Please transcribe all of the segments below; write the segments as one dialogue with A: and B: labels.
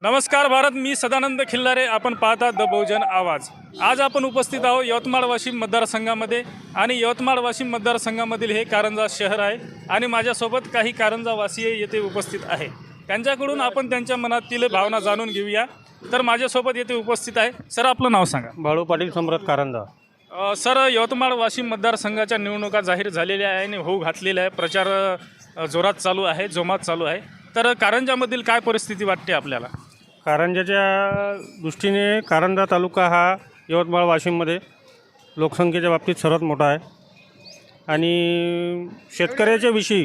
A: नमस्कार भारत, मी सदानंद खिल्लारे. आपण पाहता द बहुजन आवाज. आज आपण उपस्थित आहोत यवतमाळ वाशिम मतदारसंघामध्ये आणि यवतमाळ वाशिम मतदारसंघामधील हे कारंजा शहर आहे आणि माझ्यासोबत काही कारंजावासीय येथे उपस्थित आहे. त्यांच्याकडून आपण त्यांच्या मनातील भावना जाणून घेऊया. तर माझ्यासोबत येथे उपस्थित आहे. सर, आपलं नाव सांगा.
B: बाळू पाटील सम्राट कारंजा.
A: सर, यवतमाळ वाशिम मतदारसंघाच्या निवडणुका जाहीर झालेल्या आहे आणि होऊ घातलेल्या आहे. प्रचार जोरात चालू आहे, जोमात चालू आहे. तर कारंजामधील काय परिस्थिती वाटते आपल्याला?
B: कारंजाच्या दृष्टीने कारंजा तालुका हा यवतमाळ वाशिममध्ये लोकसंख्येच्या बाबतीत सर्वात मोठा आहे आणि शेतकऱ्याच्या विषयी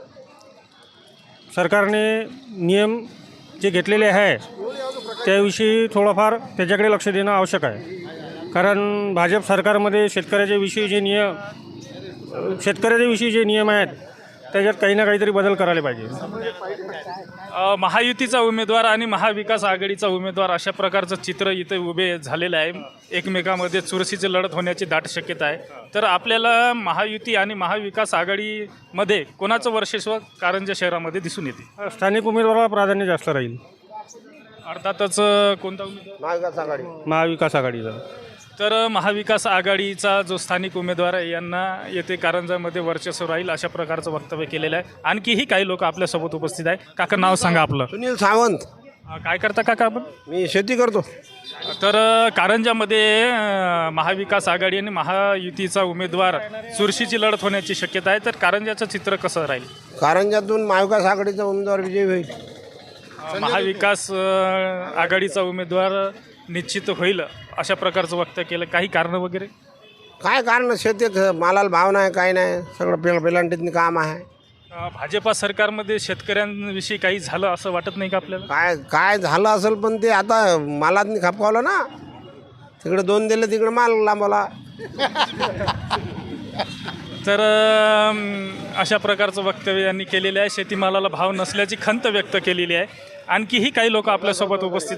B: सरकारने नियम जे घेतलेले आहे त्याविषयी थोडंफार त्याच्याकडे लक्ष देणं आवश्यक आहे. कारण भाजप सरकारमध्ये शेतकऱ्याच्या विषयी जे नियम आहेत त्याच्यात काही ना काहीतरी बदल करायला पाहिजे.
A: महायुतीचा उमेदवार आणि महाविकास आघाडीचा उमेदवार अशा प्रकारचं चित्र इथे उभे झालेलं आहे. एकमेकांमध्ये चुरशीची लढत होण्याची दाट शक्यता आहे. तर आपल्याला महायुती आणि महाविकास आघाडीमध्ये कोणाचं वर्चस्व कारंजा शहरामध्ये दिसून येते?
B: स्थानिक उमेदवाराला प्राधान्य जास्त राहील.
A: अर्थातच कोणता उमेदवार?
B: महाविकास आघाडीचा.
A: तर महाविकास आघाडीचा जो स्थानिक उमेदवार आहे यांना येथे कारंजामध्ये वर्चस्व राहील अशा प्रकारचं वक्तव्य केलेलं आहे. आणखीही काही लोक आपल्यासोबत उपस्थित आहे. काका, नाव सांगा आपलं.
C: सुनील सावंत.
A: काय करता काका आपण?
C: मी शेती करतो.
A: तर कारंजामध्ये महाविकास आघाडी आणि महायुतीचा उमेदवार चुरशीची लढत होण्याची शक्यता आहे. तर कारंजाचं चित्र कसं राहील?
C: कारंजातून महाविकास आघाडीचा उमेदवार विजयी होईल.
A: महाविकास आघाडीचा उमेदवार निश्चित होईल अशा प्रकारचं वक्तव्य केलं. काही कारणं वगैरे?
C: काय कारण, शेतीत मालाला भाव नाही, काय नाही, सगळं पेलांटीतनी काम आहे.
A: भाजपा सरकारमध्ये शेतकऱ्यांविषयी काही झालं असं वाटत नाही का आपल्याला?
C: काय झालं असेल, पण ते आता मालातनी खपकावलं ना. तिकडे 2 दिले, तिकडे माल लांबवला.
A: तर अशा प्रकारचं वक्तव्य यांनी केलेलं आहे. शेतीमालाला भाव नसल्याची खंत व्यक्त केलेली आहे. आणखीही काही लोक आपल्यासोबत उपस्थित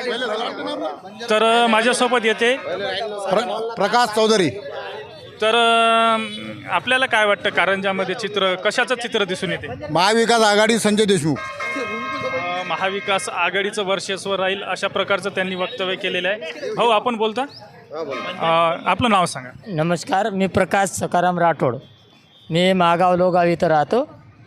A: आहे. तर माझ्यासोबत येते
D: प्रकाश चौधरी.
A: तर आपल्याला काय वाटतं कारंजामध्ये कशाचं चित्र दिसून येते?
D: महाविकास आघाडी संजय देशमुख.
A: महाविकास आघाडीचं वर्चस्व राहील अशा प्रकारचं त्यांनी वक्तव्य केलेलं आहे. भाऊ, आपण बोलता? आपलं नाव सांगा.
E: नमस्कार, मी प्रकाश सकाराम राठोड. मी महागाव लोगाव इथं राहतो.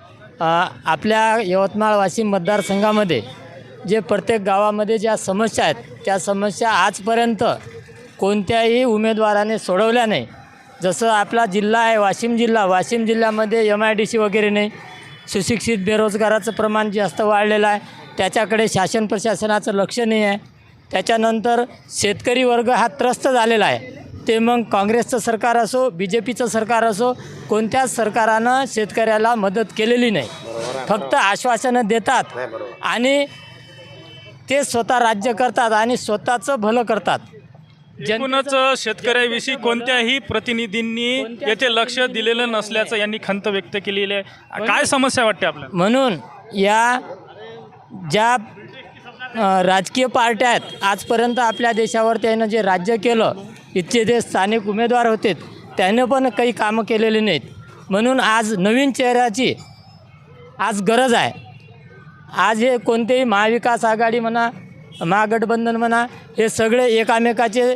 E: आपल्या यवतमाळ वाशिम मतदारसंघामध्ये जे प्रत्येक गावामध्ये ज्या समस्या आहेत त्या समस्या आजपर्यंत कोणत्याही उमेदवाराने सोडवल्या नाही. जसं आपला जिल्हा आहे वाशिम जिल्ह्यामध्ये MIDC वगैरे नाही. सुशिक्षित बेरोजगाराचं प्रमाण जास्त वाढलेलं आहे. त्याच्याकडे शासन प्रशासनाचं लक्ष नाही आहे. त्याच्यानंतर शेतकरी वर्ग हा त्रस्त झालेला आहे. ते मग काँग्रेसचं सरकार असो, BJPचं सरकार असो, कोणत्याच सरकारानं शेतकऱ्याला मदत केलेली नाही. फक्त आश्वासनं देतात आणि ते स्वतः राज्य करतात आणि स्वतःचं भलं करतात.
A: एकूणच शेतकऱ्याविषयी कोणत्याही प्रतिनिधींनी येथे लक्ष दिलेलं नसल्याचं यांनी खंत व्यक्त केलेली आहे. काय समस्या वाटते आपल्याला?
E: म्हणून या ज्या राजकीय पार्ट्या आहेत, आजपर्यंत आपल्या देशावर त्यानं जे राज्य केलं, इथचे जे स्थानिक उमेदवार होते त्यानं पण काही कामं केलेली नाहीत. म्हणून आज नवीन चेहऱ्याची आज गरज आहे. आज हे कोणतेही महाविकास आघाडी म्हणा, महागठबंधन म्हणा, हे सगळे एकामेकाचे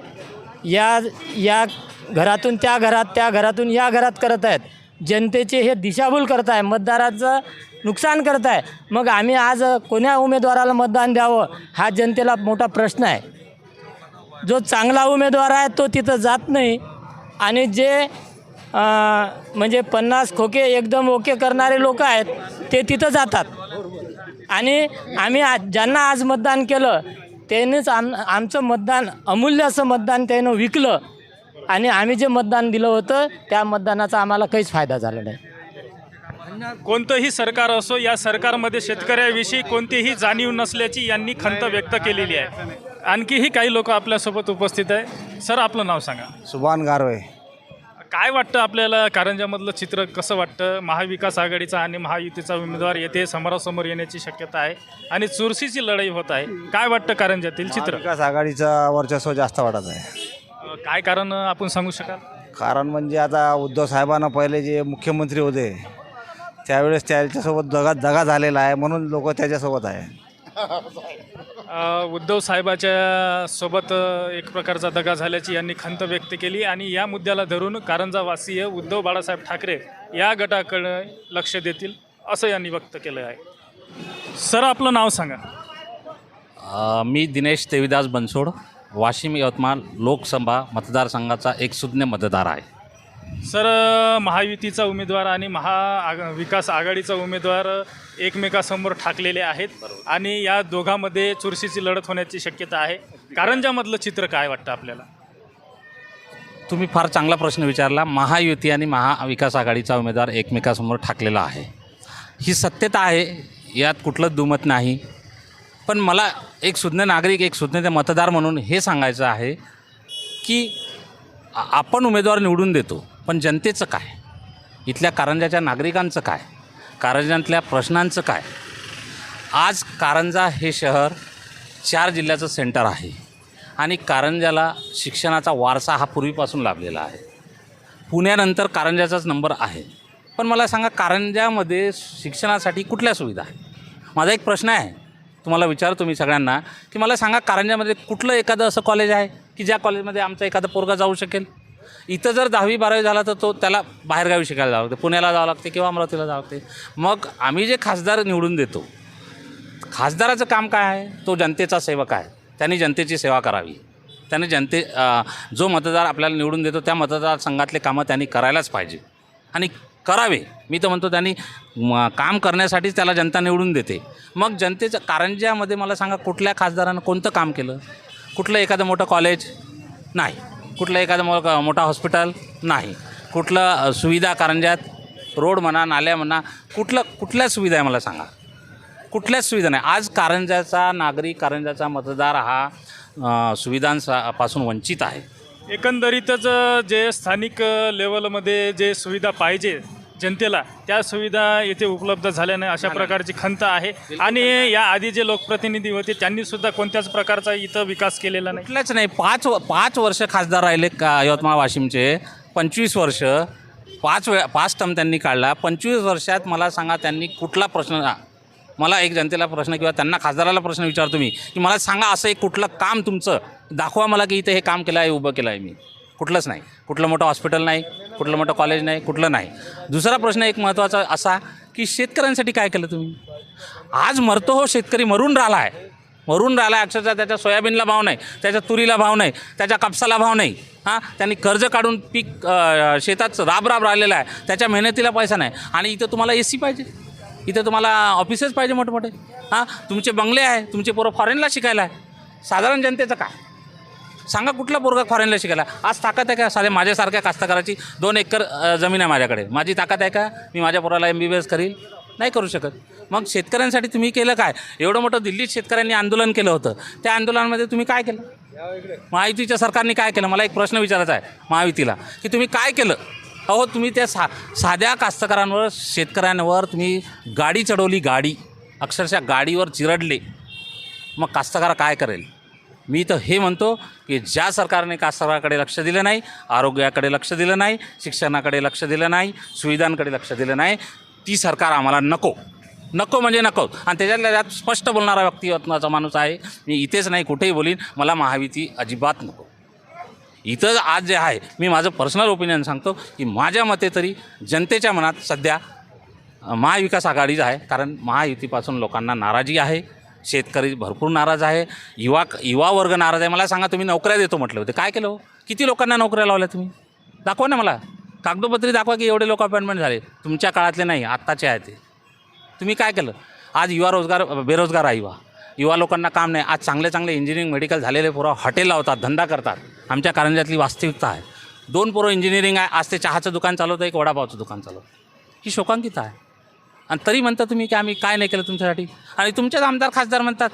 E: या घरातून त्या घरात, त्या घरातून या घरात करत आहेत. जनतेचे हे दिशाभूल करत आहे, मतदाराचं नुकसान करत आहे. मग आम्ही आज कोण्या उमेदवाराला मतदान द्यावं हा जनतेला मोठा प्रश्न आहे. जो चांगला उमेदवार आहे तो तिथं जात नाही आणि जे म्हणजे 50 खोके एकदम ओके करणारे लोक आहेत ते तिथं जातात. आणि आम्ही ज्यांना आज मतदान केलं त्यांनीच आमचं मतदान, अमूल्य असं मतदान त्यानं विकलं आणि आम्ही जे मतदान दिलं होतं त्या मतदानाचा आम्हाला काहीच फायदा झाला नाही.
A: कोणतंही सरकार असो, या सरकारमध्ये शेतकऱ्याविषयी कोणतीही जाणीव नसल्याची यांनी खंत व्यक्त केलेली आहे. आणखीही काही लोक आपल्यासोबत उपस्थित आहे. सर, आपलं नाव सांगा.
D: सुभान गारवे.
A: काय वाटतं आपल्याला कारंजामधलं चित्र कसं वाटतं? महाविकास आघाडीचा आणि महायुतीचा उमेदवार येथे समोरासमोर येण्याची शक्यता आहे आणि चुरशीची लढाई होत आहे. काय वाटतं कारंजातील चित्र?
D: विकास आघाडीचा वर्चस्व जास्त वाटत आहे.
A: काय कारण आपण सांगू शकाल?
D: कारण म्हणजे आता उद्धव साहेबांना पहिले जे मुख्यमंत्री होते त्यावेळेस त्याच्यासोबत दगा झालेला आहे, म्हणून लोक त्याच्यासोबत आहे.
A: उद्धव साहेबाच्या सोबत एक प्रकारचा दगा झाल्याची यांनी खंत व्यक्त केली आणि या मुद्द्याला धरून कारंजावासीय उद्धव बाळासाहेब ठाकरे या गटाकडे लक्ष देतील असं यांनी व्यक्त केलं आहे. सर आपलं नाव सांगा.
F: मी दिनेश देवीदास बनसोड, वाशिम यवतमाळ लोकसभा मतदारसंघाचा एक सुज्ञ मतदार आहे.
A: सर महायुतीचा उमेदवार आणि विकास आघाडीचा उमेदवार एकमेकासमोर ठाकलेले आहेत आणि या दोघांमध्ये चुरशीची लढत होण्याची शक्यता आहे. कारंजामधलं चित्र काय वाटतं आपल्याला?
F: तुम्ही फार चांगला प्रश्न विचारला. महायुती आणि महाविकास आघाडीचा उमेदवार एकमेकासमोर ठाकलेला आहे, ही सत्यता आहे, यात कुठलंच दुमत नाही. पण मला एक सुज्ञ नागरिक, एक सुज्ञ मतदार म्हणून हे सांगायचं आहे की आपण उमेदवार निवडून देतो, पण जनतेचं काय, इथल्या कारंजाच्या नागरिकांचं काय, कारंजातल्या प्रश्नांचं काय. आज कारंजा हे शहर 4 जिल्ह्याचं सेंटर आहे आणि कारंजाला शिक्षणाचा वारसा हा पूर्वीपासून लाभलेला आहे. पुण्यानंतर कारंजाचाच नंबर आहे. पण मला सांगा, कारंजामध्ये शिक्षणासाठी कुठल्या सुविधा आहे? माझा एक प्रश्न आहे, तुम्हाला विचारतो मी सगळ्यांना, की मला सांगा कारंजामध्ये कुठलं एखादं असं कॉलेज आहे की ज्या कॉलेजमध्ये आमचा एखादा पोरगा जाऊ शकेल? इथं जर 10वी-12वी झाला तर त्याला बाहेरगावी शिकायला जावं लागते, पुण्याला जावं लागते किंवा अमरावतीला जावं लागते. मग आम्ही जे खासदार निवडून देतो, खासदाराचं काम काय आहे? तो जनतेचा सेवक आहे, त्यांनी जनतेची सेवा करावी. त्याने जो मतदार आपल्याला निवडून देतो त्या मतदारसंघातले कामं त्यांनी करायलाच पाहिजे आणि करावे. मी तर म्हणतो त्यांनी काम करण्यासाठीच त्याला जनता निवडून देते. मग जनतेचं कारंजामध्ये मला सांगा, कुठल्या खासदारानं कोणतं काम केलं? कुठलं एखादं मोठं कॉलेज नाही, कुठलं एखादं मोठा हॉस्पिटल नाही, कुठलं सुविधा कारंजात, रोड म्हणा, नाल्या म्हणा, कुठल्या सुविधा आहे मला सांगा? कुठल्याच सुविधा नाही. आज कारंजाचा नागरिक, कारंजाचा मतदार हा सुविधांपासून वंचित आहे.
A: एकंदरीतच जे स्थानिक लेवलमध्ये जे सुविधा पाहिजे जनतेला, त्या सुविधा येथे उपलब्ध झाल्या नाही अशा प्रकारची खंत आहे. आणि या आधी जे लोकप्रतिनिधी होते त्यांनीसुद्धा कोणत्याच प्रकारचा इथं विकास केलेला नाही.
F: कुठल्याच नाही. 5 वर्ष खासदार राहिले यवतमाळ वाशिमचे. 25 वर्ष 5 टर्म त्यांनी काढला. 25 वर्षात मला सांगा त्यांनी कुठला प्रश्न, मला एक जनतेला प्रश्न किंवा त्यांना खासदाराला प्रश्न विचारतो मी की मला सांगा असं एक कुठलं काम तुमचं दाखवा मला की इथे हे काम केलं आहे, उभं केलं आहे मी. कुठलंच नाही. कुठलं मोठं हॉस्पिटल नाही, कुठलं मोठं कॉलेज नाही, कुठलं नाही. दुसरा प्रश्न एक महत्त्वाचा असा की शेतकऱ्यांसाठी काय केलं तुम्ही? आज मरतो हो शेतकरी, मरून राहिला आहे अक्षरशः. त्याच्या सोयाबीनला भाव नाही, त्याच्या तुरीला भाव नाही, त्याच्या कापसाला भाव नाही. त्यांनी कर्ज काढून पीक शेतात राब राहिलेलं आहे, त्याच्या मेहनतीला पैसा नाही. आणि इथं तुम्हाला AC पाहिजे, इथं तुम्हाला ऑफिसेस पाहिजे मोठे. तुमचे बंगले आहे, तुमचे पोरं फॉरेनला शिकायला आहे. साधारण जनतेचं काय सांगा? कुठला पोरगा फॉरेनला शिकायला? आज ताकद आहे का साध्या माझ्यासारख्या कास्तकाराची? 2 एकर जमीन आहे माझ्याकडे, माझी ताकद आहे का मी माझ्या पोराला MBBS करील? नाही करू शकत. मग शेतकऱ्यांसाठी तुम्ही केलं काय? एवढं मोठं दिल्लीत शेतकऱ्यांनी आंदोलन केलं होतं, त्या आंदोलनामध्ये तुम्ही काय केलं? महायुतीच्या सरकारने काय केलं? मला एक प्रश्न विचारायचा आहे महायुतीला की तुम्ही काय केलं? अहो तुम्ही त्या साध्या कास्तकारांवर, शेतकऱ्यांवर तुम्ही गाडी चढवली, गाडी अक्षरशः गाडीवर चिरडले. मग कास्तकार काय करेल? मी तर हे म्हणतो की ज्या सरकारने कास्तकाराकडे लक्ष दिलं नाही, आरोग्याकडे लक्ष दिलं नाही, शिक्षणाकडे लक्ष दिलं नाही, सुविधांकडे लक्ष दिलं नाही, ती सरकार आम्हाला नको म्हणजे नको. आणि त्याच्यातल्या त्यात स्पष्ट बोलणारा व्यक्तिमत्वाचा माणूस आहे मी, इथेच नाही कुठेही बोलीन, मला महायुती अजिबात नको. इथं आज जे आहे, मी माझं पर्सनल ओपिनियन सांगतो की माझ्या मते तरी जनतेच्या मनात सध्या महाविकास आघाडीच आहे. कारण महायुतीपासून लोकांना नाराजी आहे, शेतकरी भरपूर नाराज आहे, युवा वर्ग नाराज आहे. मला सांगा, तुम्ही नोकऱ्या देतो म्हटले होते, काय केलं हो? किती लोकांना नोकऱ्या लावल्या तुम्ही? दाखवा ना मला, कागदोपत्री दाखवा की एवढे लोक अपॉइंटमेंट झाले. तुमच्या काळातले नाही, आत्ताचे आहे ते. तुम्ही काय केलं? आज बेरोजगार आहे युवा लोकांना काम नाही. आज चांगले इंजिनिअरिंग मेडिकल झालेले पोरं हॉटेल लावतात, धंदा करतात. आमच्या कारंजातली वास्तविकता आहे. 2 पोरं इंजिनिअरिंग आहे, आज ते चहाचं दुकान चालवतं, एक वडापावचं दुकान चालवतं. ही शोकांकित आहे. आणि तरी म्हणता तुम्ही की आम्ही काय नाही केलं तुमच्यासाठी. आणि तुमचेच आमदार खासदार म्हणतात,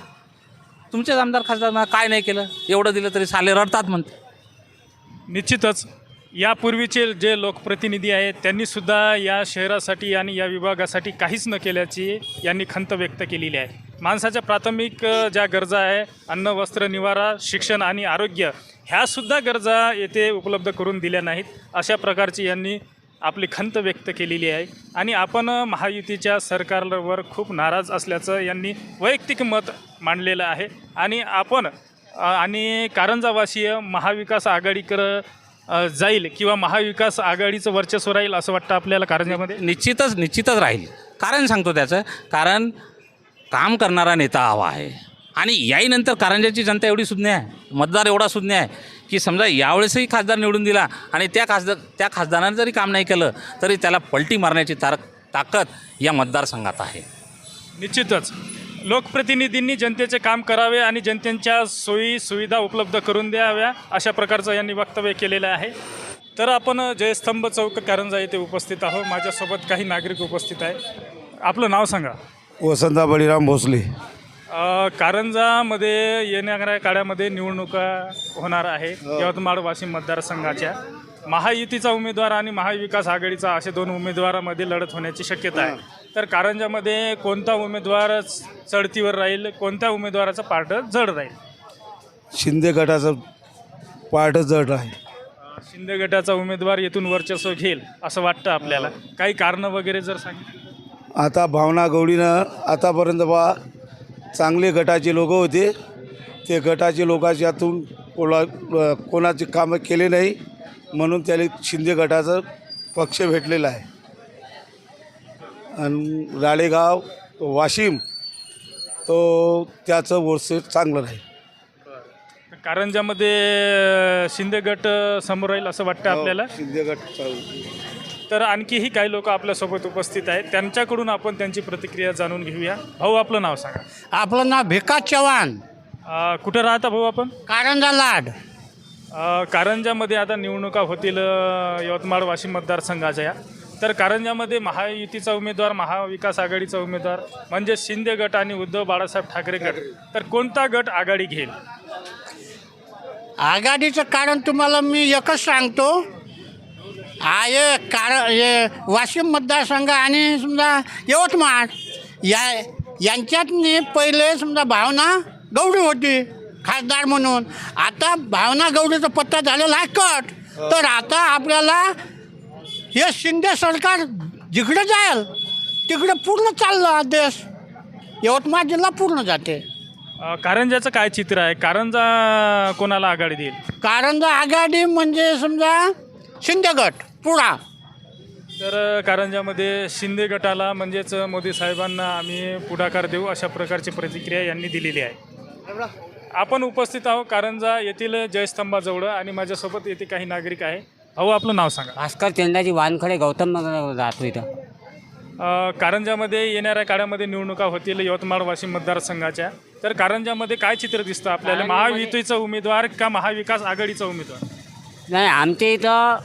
F: काय नाही केलं, एवढं दिलं तरी साले रडतात म्हणते.
A: निश्चितच यापूर्वीचे जे लोकप्रतिनिधी आहेत त्यांनीसुद्धा या शहरासाठी आणि या विभागासाठी काहीच न केल्याची यांनी खंत व्यक्त केलेली आहे. माणसाच्या प्राथमिक ज्या गरजा आहे, अन्न, वस्त्र, निवारा, शिक्षण आणि आरोग्य, ह्यासुद्धा गरजा येथे उपलब्ध करून दिल्या नाहीत. अशा प्रकारची यांनी आपली खंत व्यक्त केलेली आहे आणि आपण महायुतीच्या सरकारवर खूप नाराज असल्याचं यांनी वैयक्तिक मत मांडलेलं आहे आणि आपण आणि कारंजावासीय महाविकास आघाडीकडं जाईल किंवा महाविकास आघाडीचं वर्चस्व राहील असं वाटतं आपल्याला कारंजामध्ये?
F: निश्चितच राहील. कारण सांगतो त्याचं, कारण काम करणारा नेता हवा आहे आणि याहीनंतर कारंजाची जनता एवढी सुज्ञ आहे, मतदार एवढा सुज्ञ आहे की समजा यावेळेसही खासदार निवडून दिला आणि त्या खासदारानं जरी काम नाही केलं तरी त्याला पलटी मारण्याची ताकद या मतदारसंघात आहे.
A: निश्चितच लोकप्रतिनिधींनी जनतेचे काम करावे आणि जनतेच्या सोयी सुविधा उपलब्ध करून द्याव्या अशा प्रकारचं यांनी वक्तव्य केलेलं आहे. तर आपण जयस्तंभ चौक कारंजा येथे उपस्थित आहोत. माझ्यासोबत काही नागरिक उपस्थित आहे. आपलं नाव सांगा.
G: वसंता बळीराम भोसले.
A: कारंजामध्ये येणाऱ्या काळामध्ये निवडणुका होणार आहे यवतमाळ वाशिम मतदारसंघाच्या. महायुतीचा उमेदवार आणि महाविकास आघाडीचा असे दोन उमेदवारामध्ये लढत होण्याची शक्यता आहे. तर कारंजामध्ये कोणता उमेदवार चढतीवर राहील, कोणत्या उमेदवाराचं पार्ट जड राहील?
G: शिंदे गटाचं पार्ट जड आहे.
A: शिंदे गटाचा उमेदवार येथून वर्चस्व घेईल असं वाटतं आपल्याला. काही कारणं वगैरे जर सांगितलं.
G: आता भावना गवळीनं आतापर्यंत चांगले गटाचे लोक होते, ते गटाचे लोकांच्यातून कोणाचे कामं केले नाही म्हणून त्याला शिंदे गटाचं पक्ष भेटलेला आहे. आणि राळेगाव वाशिम तो त्याचं वर्ष चांगलं राहील.
A: कारंजामध्ये शिंदे गट समोर राहील असं वाटतं आपल्याला.
G: शिंदे गट
A: तर आणखीही काही लोक आपल्यासोबत उपस्थित आहेत, त्यांच्याकडून आपण त्यांची प्रतिक्रिया जाणून घेऊया. भाऊ आपलं नाव सांगा.
H: आपलं नाव भिकास चव्हाण,
A: कुठं राहता भाऊ आपण?
H: कारंजा लाड.
A: कारंजामध्ये आता निवडणुका होतील यवतमाळ वाशिम मतदारसंघाच्या. तर कारंजामध्ये महायुतीचा उमेदवार, महाविकास आघाडीचा उमेदवार म्हणजे शिंदे गट आणि उद्धव बाळासाहेब ठाकरे गट. तर कोणता गट आघाडी घेईल?
H: आघाडीचं कारण तुम्हाला मी एकच सांगतो. हे वाशिम मतदारसंघ आणि समजा यवतमाळ यांच्यातनी पहिले समजा भावना गवळी होती खासदार म्हणून. आता भावना गवळीचा पत्ता झालेला आहे कट. तर आता आपल्याला हे शिंदे सरकार जिकडे जाईल तिकडे पूर्ण चाललं देश, यवतमाळ जिल्हा पूर्ण जाते.
A: कारंजाचं काय चित्र आहे? कारंजा कोणाला आघाडी देईल?
H: कारंजा आघाडी म्हणजे समजा शिंदे गट पुढा.
A: तर कारंजामध्ये शिंदे गटाला म्हणजेच मोदी साहेबांना आम्ही पुढाकार देऊ अशा प्रकारची प्रतिक्रिया यांनी दिलेली आहे. आपण उपस्थित आहोत कारंजा येथील जयस्तंभाजवळ आणि माझ्यासोबत येथे काही नागरिक आहे. भाऊ आपलं नाव सांगा.
E: भास्कर चंदाजी वानखडे, गौतम नगर राहतो इथं.
A: कारंजामध्ये येणाऱ्या काळामध्ये निवडणुका होतील यवतमाळ वाशिम मतदारसंघाच्या. तर कारंजामध्ये काय चित्र दिसतं आपल्याला? महायुतीचा उमेदवार का महाविकास आघाडीचा उमेदवार?
E: नाही, आमच्या इथं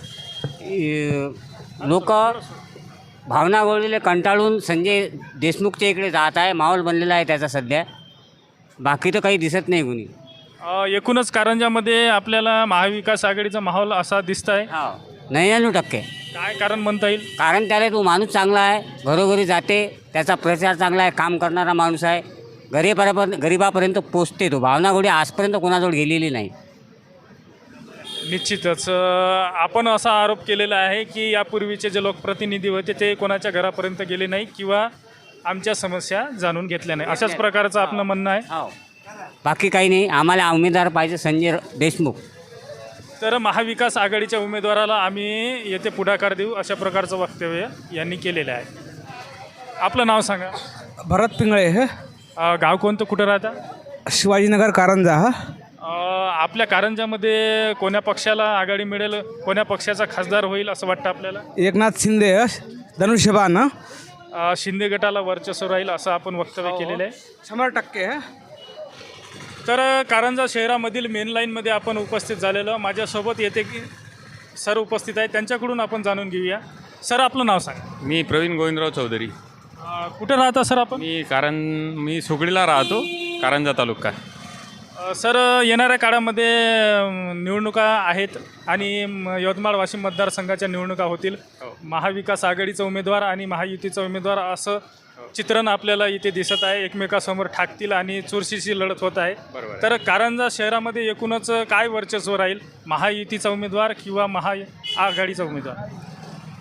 E: लोक भावना गवळीले कंटाळून संजय देशमुखच्या इकडे जात आहे. माहोल बनलेला आहे त्याचा सध्या. बाकी तर काही दिसत नाही कुणी.
A: एकूणच कारंजामध्ये आपल्याला महाविकास आघाडीचा माहोल असा दिसत आहे.
E: 99%.
A: काय कारण म्हणता येईल?
E: कारण त्याला तो माणूस चांगला आहे, घरोघरी जाते, त्याचा प्रचार चांगला आहे, काम करणारा माणूस आहे, गरीबापर्यंत पोचते. तो भावना गवळी आजपर्यंत कोणाजवळ गेलेली नाही.
A: निश्चितच आपण असा आरोप केलेला आहे की यापूर्वीचे जे लोकप्रतिनिधी होते ते कोणाच्या घरापर्यंत गेले नाही किंवा आमच्या समस्या जाणून घेतल्या नाही, अशाच प्रकारचं आपलं म्हणणं आहे.
E: बाकी काही नाही. आम्हाला उमेदवार पाहिजे संजय देशमुख.
A: तर महाविकास आघाडीच्या उमेदवाराला आम्ही येथे पुढाकार देऊ अशा प्रकारचं वक्तव्य यांनी केलेलं आहे. आपलं नाव सांगा.
I: भरत पिंगळे हे
A: गाव कोणतं, कुठं राहता?
I: शिवाजीनगर कारंजा.
A: आपल्या कारंजामध्ये कोण्या पक्षाला आघाडी मिळेल, कोण्या पक्षाचा खासदार होईल असं वाटतं आपल्याला?
I: एकनाथ शिंदे धनुष्यबाण
A: शिंदे गटाला वर्चस्व राहील असं आपण वक्तव्य केलेलं आहे.
I: 100%.
A: तर कारंजा शहरामधील मेन लाईनमध्ये आपण उपस्थित झालेलो. माझ्यासोबत येथे की सर उपस्थित आहे, त्यांच्याकडून आपण जाणून घेऊया. सर आपलं नाव सांगा.
J: मी प्रवीण गोविंदराव चौधरी.
A: कुठं राहता सर आपण?
J: मी सुगडीला राहतो, कारंजा तालुका.
A: सर येणाऱ्या काळामध्ये निवडणुका आहेत आणि यवतमाळ वाशिम मतदारसंघाच्या निवडणुका होतील. महाविकास आघाडीचा उमेदवार आणि महायुतीचा उमेदवार असं चित्रण आपल्याला इथे दिसत आहे. एकमेकासमोर ठाकतील आणि चुरशीची लढत होत आहे. तर कारंजा शहरामध्ये एकूणच काय वर्चस्व राहील, महायुतीचा उमेदवार किंवा महाआघाडीचा उमेदवार?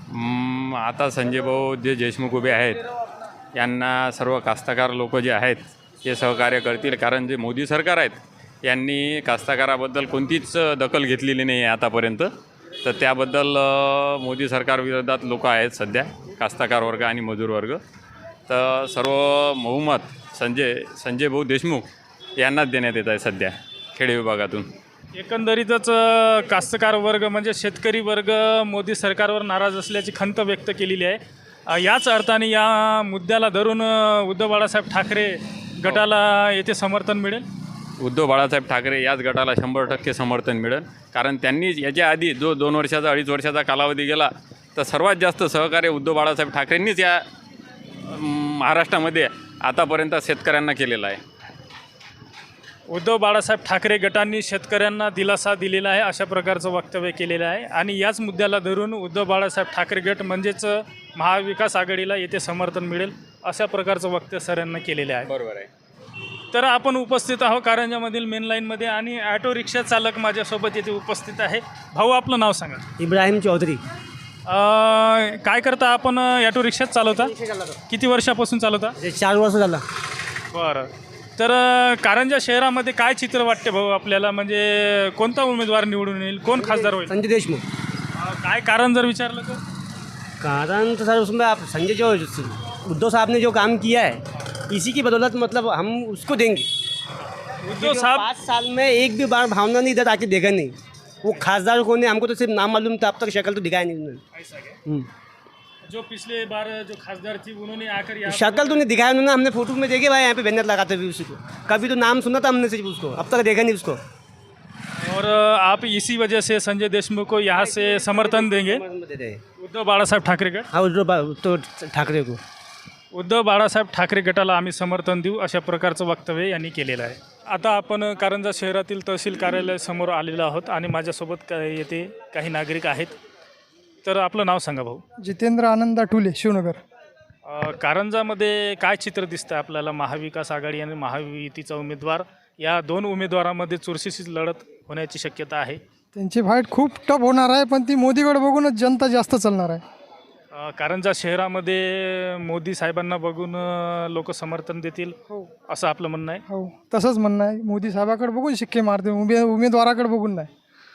J: आता संजय भाऊ जे देशमुख उभे आहेत यांना सर्व कास्तकार लोक जे आहेत ते सहकार्य करतील, कारण जे मोदी सरकार आहेत यांनी कास्तकाराबद्दल कोणतीच दखल घेतलेली नाही आहे आतापर्यंत. तर त्याबद्दल मोदी सरकारविरोधात लोक आहेत सध्या, कास्तकार वर्ग आणि मजूर वर्ग. तर सर्व बहुमत संजय भाऊ देशमुख यांनाच देण्यात येत आहे सध्या खेडे विभागातून.
A: एकंदरीतच कास्तकार वर्ग म्हणजे शेतकरी वर्ग मोदी सरकारवर नाराज असल्याची खंत व्यक्त केलेली आहे. याच अर्थाने या मुद्द्याला धरून उद्धव बाळासाहेब ठाकरे गटाला येथे समर्थन मिळेल.
J: उद्धव बाळासाहेब ठाकरे याच गटाला 100% समर्थन मिळेल, कारण त्यांनी याच्या आधी जो 2 वर्षाचा 2.5 वर्षाचा कालावधी गेला तर सर्वात जास्त सहकार्य उद्धव बाळासाहेब ठाकरेंनीच या महाराष्ट्रामध्ये आतापर्यंत शेतकऱ्यांना केलेलं आहे.
A: उद्धव बाळासाहेब ठाकरे गटांनी शेतकऱ्यांना दिलासा दिलेला आहे अशा प्रकारचं वक्तव्य केलेलं आहे. आणि याच मुद्द्याला धरून उद्धव बाळासाहेब ठाकरे गट म्हणजेच महाविकास आघाडीला येथे समर्थन मिळेल अशा प्रकारचं वक्तव्य सरांना केलेलं आहे.
J: बरोबर आहे.
A: तर आपण उपस्थित आहोत कारंजामधील मेन लाईनमध्ये आणि ऑटो रिक्षा चालक माझ्यासोबत येथे उपस्थित आहे. भाऊ आपलं नाव सांगा.
K: इब्राहिम चौधरी.
A: काय करता आपण? ऑटो रिक्षाच चालवता? किती वर्षापासून चालवता?
K: 4 वर्ष झालं.
A: बरं. तर कारंजा शहरामध्ये काय चित्र वाटते भाऊ आपल्याला? म्हणजे कोणता उमेदवार निवडून येईल, कोण खासदार होईल?
K: संजय देशमुख.
A: काय कारण जर विचारलं तर?
K: कारण तो सर उसमें आप संजय जो उद्धव साहब ने जो काम किया है इसी की बदौलत मतलब हम उसको देंगे.
A: उद्धव साहब
K: 5 साल में एक भी बार भावना नहीं इधर आके देखा नहीं. वो खासदार कौन है हमको तो सिर्फ नाम मालूम था, अब तक शक्ल तो दिखाया नहीं उन्होंने.
A: ऐसा क्या? जो पिछले बार जो खासदार थी उन्होंने आकर यहाँ
K: शक्ल तो नहीं दिखाया उन्होंने. हमने फोटो में देखे भाई यहाँ पे बैनर लगाते हुए उसी को. कभी तो नाम सुना था हमने सिर्फ उसको, अब तक देखा नहीं उसको.
A: और आप इसी वजह से संजय देशमुख को यहाँ से समर्थन देंगे उद्धव बाळासाहेब ठाकरे गट?
K: हाँ उद्धव तो ठाकरे को.
A: उद्धव बाळासाहेब ठाकरे गटाला आम्ही समर्थन देऊ अशा प्रकारचं वक्तव्य यांनी केलेलं आहे. आता आपण कारंजा शहरातील तहसील कार्यालयासमोर आलेलो आहोत आणि माझ्यासोबत येथे काही नागरिक आहेत. तर आपलं नाव सांगा भाऊ.
L: जितेंद्र आनंद आठुले, शिवनगर.
A: कारंजामध्ये काय चित्र दिसतं आपल्याला? महाविकास आघाडी आणि महायुतीचा उमेदवार, या 2 उमेदवारामध्ये चुरशीची लढत होण्याची शक्यता आहे.
L: त्यांची फाईट खूप टफ होणार आहे, पण ती मोदीकडे बघूनच जनता जास्त चालणार आहे.
A: कारंजा शहरामध्ये मोदी साहेबांना बघून लोक समर्थन देतील असं आपलं म्हणणं आहे.
L: हो तसंच म्हणणं आहे. मोदी साहेबाकडे बघून शिक्के मारते, उमेदवाराकडे बघून नाही.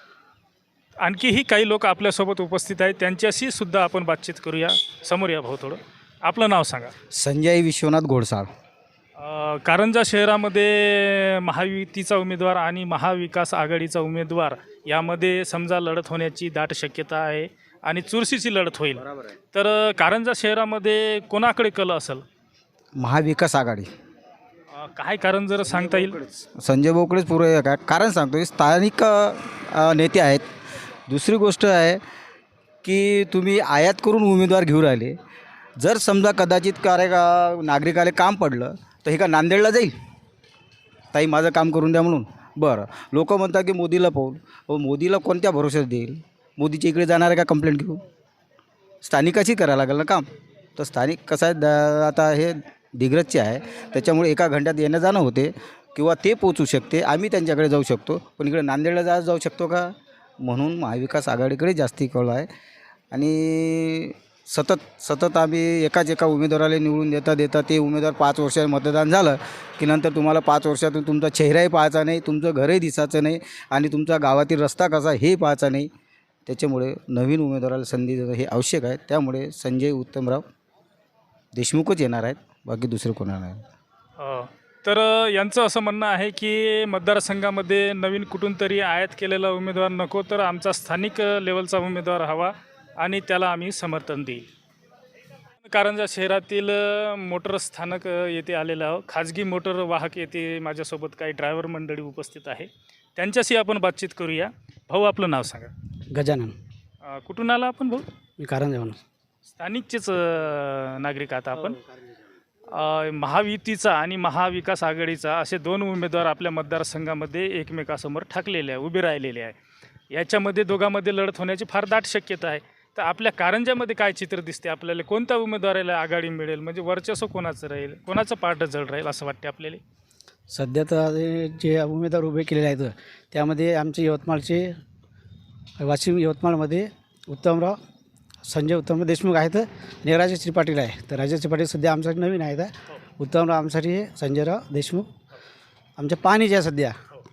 A: आणखीही काही लोक आपल्यासोबत उपस्थित आहेत, त्यांच्याशी सुद्धा आपण बातचीत करूया. समोर या भाऊ थोडं. आपलं नाव सांगा.
D: संजय विश्वनाथ घोडसाळ.
A: कारंजा शहरामध्ये महायुतीचा उमेदवार आणि महाविकास आघाडीचा उमेदवार यामध्ये समजा लढत होण्याची दाट शक्यता आहे आणि चुरशीची लढत होईल. तर कारंजा शहरामध्ये कोणाकडे कल असेल?
D: महाविकास आघाडी.
A: काय कारण जर सांगता येईल?
D: संजय भाऊकडेच पुरे काय कारण सांगतो, स्थानिक नेते आहेत. दुसरी गोष्ट आहे की तुम्ही आयात करून उमेदवार घेऊन राहिले. जर समजा कदाचित नागरिकाला काम पडलं तर हे का नांदेडला जाईल ताई माझं काम करून द्या म्हणून? बरं, लोक म्हणतात की मोदीला पाहून, मोदीला कोणत्या भरोश्यात देईल? मोदीच्या इकडे जाणार आहे का कंप्लेंट घेऊन? स्थानिकाची करायला लागेल ना काम. तर स्थानिक कसं आहे, आता हे दिग्रजचे आहे त्याच्यामुळे एका घंट्यात येणं जाणं होते किंवा ते पोचू शकते, आम्ही त्यांच्याकडे जाऊ शकतो. पण इकडे नांदेडला जाऊ शकतो का? म्हणून महाविकास आघाडीकडे जास्ती कळ आहे. आणि सतत आम्ही एका उमेदवाराला निवडून देता ते उमेदवार 5 वर्षात मतदान झालं की नंतर तुम्हाला 5 वर्षातून तुमचा चेहराही पाहायचा नाही, तुमचं घरही दिसायचं नाही आणि तुमचा गावातील रस्ता कसा हे पाहायचा नाही. त्याच्यामुळे नवीन उमेदवाराला संधी देणं हे आवश्यक आहे. त्यामुळे संजय उत्तमराव देशमुखच येणार आहेत, बाकी दुसरं कोणा नाही.
A: तर यांचं असं म्हणणं आहे की मतदारसंघामध्ये नवीन कुठून तरी आयात केलेला उमेदवार नको, तर आमचा स्थानिक लेवलचा उमेदवार हवा आणि त्याला आम्ही समर्थन देईल. कारंजा शहरातील मोटर स्थानक येथे आलेलं आहोत. खाजगी मोटर वाहक येथे माझ्यासोबत काही ड्रायव्हर मंडळी उपस्थित आहे, त्यांच्याशी आपण बातचीत करूया. भाऊ आपलं नाव सांगा.
K: गजानन.
A: कुठून आला आपण भाऊ?
K: मी कारंजाहून.
A: स्थानिकचेच नागरिक आता आपण. महायुतीचा आणि महाविकास आघाडीचा असे 2 उमेदवार आपल्या मतदारसंघामध्ये एकमेकासमोर ठाकलेले आहे, उभे राहिलेले आहे. याच्यामध्ये दोघांमध्ये लढत होण्याची फार दाट शक्यता आहे. तर आपल्या कारंजामध्ये काय चित्र दिसते आपल्याला? कोणत्या उमेदवाराला आघाडी मिळेल, म्हणजे वर्चस्व कोणाचं राहील, कोणाचं पार्ट जड राहील असं वाटते आपल्याला?
K: सध्या तर जे उमेदवार उभे केलेले आहेत त्यामध्ये आमचे यवतमाळमध्ये उत्तमराव संजय उत्तमराव देशमुख आहेत आणि राजेश त्रिपाटील आहे. तर राजेश त्रिपाटील सध्या आमच्यासाठी नवीन आहेत. उत्तमराव आमच्यासाठी हे संजयराव देशमुख आमच्या पाणीचे आहे सध्या.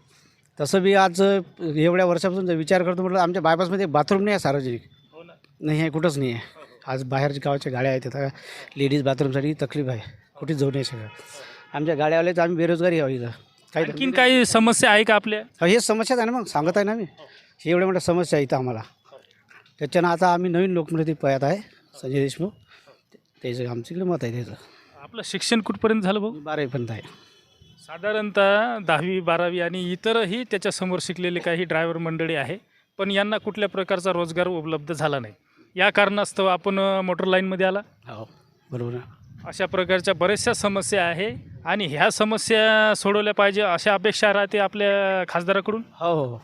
K: तसं बी आज एवढ्या वर्षापासून जर विचार करतो म्हटलं आमच्या बायपासमध्ये बाथरूम नाही आहे सार्वजनिक, नाही आहे, कुठंच नाही आहे. आज बाहेरच्या गावाच्या गाड्या आहेत, आता लेडीज बाथरूमसाठी तकलीफ आहे, कुठेच जाऊ नाही शकत. आमच्या गाड्यावाले तर आम्ही बेरोजगारी हवी इथं काही.
A: आणखीन काही समस्या आहे का आपल्या?
K: हेच समस्याच आहे ना, मग सांगत आहे ना मी, हे एवढ्या मोठ्या समस्या आहे इथं आम्हाला. त्याच्यानं आता आम्ही नवीन लोकप्रतिनिधी पळत आहे संजय देशमुख, त्याचं आमच्याकडे मत आहे त्याचं.
A: आपलं शिक्षण कुठपर्यंत झालं भाऊ?
K: 12वीपर्यंत आहे.
A: साधारणतः 10वी 12वी आणि इतरही त्याच्यासमोर शिकलेले काही ड्रायव्हर मंडळी आहे, पण यांना कुठल्या प्रकारचा रोजगार उपलब्ध झाला नाही. या कारणास्तव आपण मोटर लाईनमध्ये आला.
K: हो बरोबर.
A: अशा प्रकारच्या बऱ्याचशा समस्या आहे आणि ह्या समस्या सोडवल्या पाहिजे अशा अपेक्षा राहते आपल्या खासदाराकडून.
K: हो हो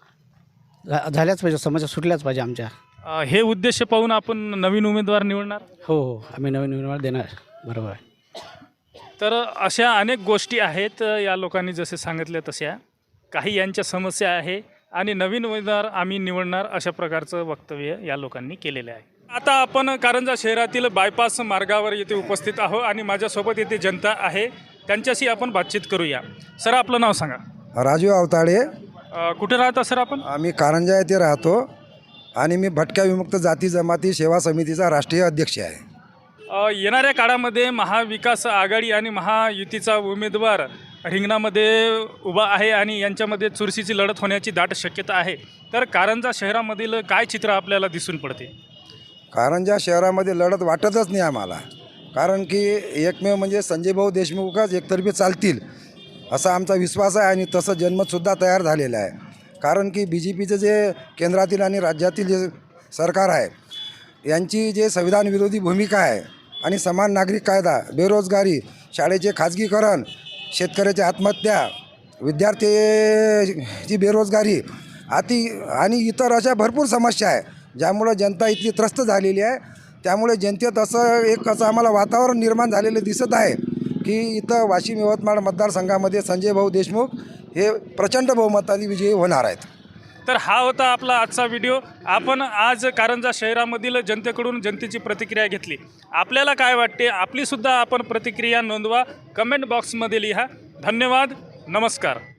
K: झाल्याच पाहिजे, समस्या सुटल्याच पाहिजे आमच्या.
A: हे उद्देश पाहून आपण नवीन उमेदवार निवडणार.
K: हो हो आम्ही नवीन उमेदवार देणार. बरोबर आहे.
A: तर अशा अनेक गोष्टी आहेत या लोकांनी जसे सांगितले तशा. काही यांच्या समस्या आहे आणि नवीन उमेदवार आम्ही निवडणार अशा प्रकारचं वक्तव्य या लोकांनी केलेलं आहे. आता आपण कारंजा शहरातील बायपास मार्गावर येथे उपस्थित आहोत आणि माझ्यासोबत येथे जनता आहे, त्यांच्याशी आपण बातचीत करूया. सर आपलं नाव सांगा.
M: राजू अवताडे.
A: कुठे राहता सर आपण?
M: आम्ही कारंजा येथे राहतो आणि मी भटक्या विमुक्त जाती जमाती सेवा समितीचा राष्ट्रीय अध्यक्ष आहे.
A: येणाऱ्या काळामध्ये महाविकास आघाडी आणि महायुतीचा उमेदवार रिंगणामध्ये उभा आहे आणि यांच्यामध्ये चुरशीची लढत होण्याची दाट शक्यता आहे. तर कारंजा शहरामधील काय चित्र आपल्याला दिसून पडते?
M: कारंजा शहरामध्ये लढत वाटतच नाही आम्हाला, कारण की एकमेव म्हणजे संजयभाऊ देशमुखच एकतर्फी चालतील असा आमचा विश्वास आहे आणि तसं जनमतसुद्धा तयार झालेलं आहे. कारण की BJPचं जे केंद्रातील आणि राज्यातील जे सरकार आहे यांची जे संविधान विरोधी भूमिका आहे आणि समान नागरिक कायदा, बेरोजगारी, शाळेचे खाजगीकरण, शेतकऱ्याची आत्महत्या, विद्यार्थ्याची बेरोजगारी आणि इतर अशा भरपूर समस्या आहे ज्यामुळं जनता इतकी त्रस्त झालेली आहे. त्यामुळे जनतेत असं आम्हाला वातावरण निर्माण झालेलं दिसत आहे की इथं वाशिम यवतमाळ मतदारसंघामध्ये संजयभाऊ देशमुख हे प्रचंड बहुमताने विजयी होणार आहेत.
A: तर हा होता आपला आजचा व्हिडिओ. आपण आज कारंजा शहरामधील जनतेकडून जनतेची प्रतिक्रिया घेतली. आपल्याला काय वाटते आपलीसुद्धा आपण प्रतिक्रिया नोंदवा, कमेंट बॉक्समध्ये लिहा. धन्यवाद. नमस्कार.